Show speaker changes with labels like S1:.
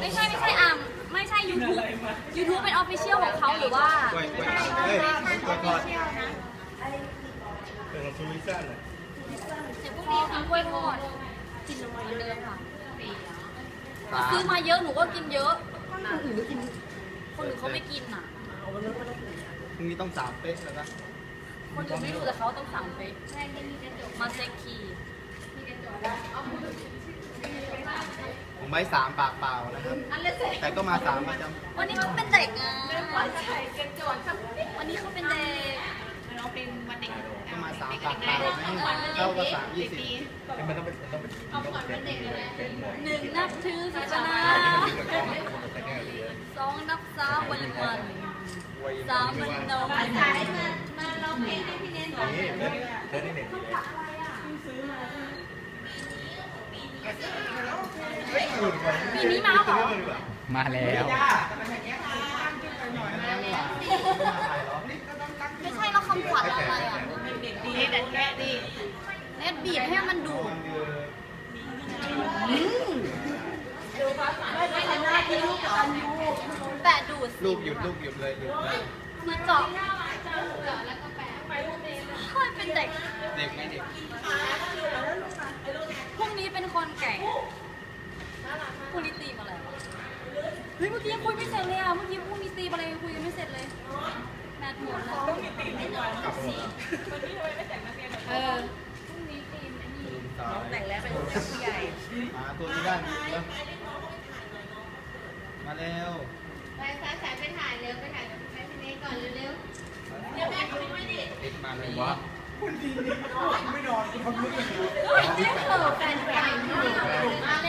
S1: ไม่ใช่อ่ะไม่ใช่ YouTube เป็น Official ของเขาหรือว่า
S2: เฮ้ยก่อนเป็นซูวิซ่าเลย
S1: เดี๋ยวพรุ่งนี้กินกล้วยทอดกินเหมือนเดิมค่ะซื้อมาเยอะหนูก็กินเยอะคนอื่นเขาไม่กินอ่ะ
S2: พรุ่งนี้ต้อง3 เป๊ะแล้วนะ
S1: คนอื่นไม่รู้แต่เขาต้องสั่งไปมาเซ็กคี
S2: ผมไม่3 ปากเปล่านะครับแต่ก็มา3ประจำ
S1: วันนี้เขาเป็นเด็กอ่ะวันนี้เขาเป็นเด็ก
S2: ก็มา3 ปากเปล่าเท่ากับ3 20มันต้องเป็น
S1: หนึ่งนับถือศาสนา2 นับสาววัน3 มันนม
S3: มาร้องเพลงให้พี่เน้นหน่อย
S1: ปีนี้มาเหรอ
S4: มาแล้ว
S1: ไม่ใช่แล้วคำขวัญอะไรอ่ะเน็ตบีบให้มันดูดแต่ดูด
S2: ลูกหยุดเลยหยุด
S1: มาเจาะค่อยเป็นเด็ก
S2: ไม่เด็ก
S1: พรุ่งนี้เป็นคนแก่พรุ่งนี้ตีมาแล้วเฮ้ยเมื่อกี้ยังคุยไม่เสร็จเลยอ่ะเมื่อกี้พรุ่งนี้ตีอะไรยังคุยไม่เสร็จเลยแมทหมดแล้วพรุ่งนี้ตีไม่นอนวันนี้ทำไมไม่แต่งนักเรียนพรุ่งนี้ตีไม่นี่แต่งแล้วเป็นผู้ใหญ่
S2: มาตัวนี้ได้มาเร็ว
S3: ไปสายไปถ่ายเร็วไปถ่ายกับพี่เน้นก่อนเร็วเดี๋ยวแม่คุยด้วยดิ
S2: มาเลยวะ
S3: ไม่นอนคนไม่ได้อยู่แฟนมา